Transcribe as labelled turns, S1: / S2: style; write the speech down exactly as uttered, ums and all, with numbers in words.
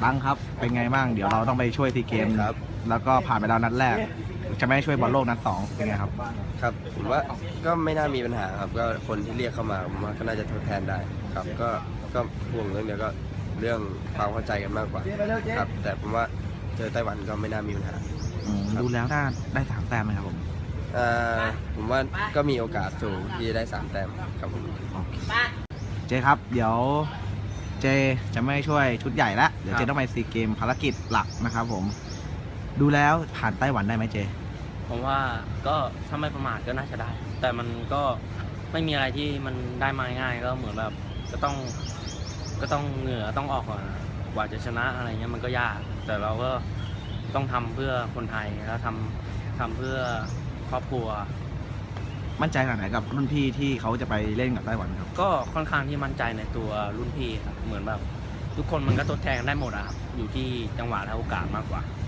S1: ตั้งครับเป็นไงบ้างเดี๋ยวเราต้องไปช่วยซีเกมครับแล้วก็ผ่านไปแล้วนัดแรกจะไม่ช่วยบอลโลกนัดสองเป็นไงครับ
S2: ครับผมว่าก็ไม่น่ามีปัญหาครับก็คนที่เรียกเข้ามาผมว่าก็น่าจะทดแทนได้ครับก็ก็ห่วงเรื่องเดียวก็เรื่องความเข้าใจกันมากกว่าครับแต่ผมว่าเจอไต้หวันก็ไม่น่ามีปัญหา
S1: ดูแล้วน่าได้สามแต้มไหมครับผม
S2: อ่าผมว่าก็มีโอกาสสูงที่จะได้สามแต้มครับผม
S1: เจครับเดี๋ยวเจจะไม่ช่วยชุดใหญ่แล้วเดี๋ยวเจต้องไปซีเกมภารกิจหลักนะครับผมดูแล้วผ่านไต้หวันได้ไหมเจ
S3: ผมว่าก็ถ้าไม่ประมาทก็น่าจะได้แต่มันก็ไม่มีอะไรที่มันได้มาง่ายก็เหมือนแบบก็ต้องก็ต้องเหงื่อต้องออกก่อนกว่าจะชนะอะไรเงี้ยมันก็ยากแต่เราก็ต้องทำเพื่อคนไทยแล้วทำทำเพื่อครอบครัว
S1: มั่นใจขนาดไหนกับรุ่นพี่ที่เขาจะไปเล่นกับไต้หวันครับ
S3: ก็ค่อนข้างที่มั่นใจในตัวรุ่นพี่ครับเหมือนแบบทุกคนมันก็ทดแทนกันได้หมดอะครับอยู่ที่จังหวะและโอกาสมากกว่า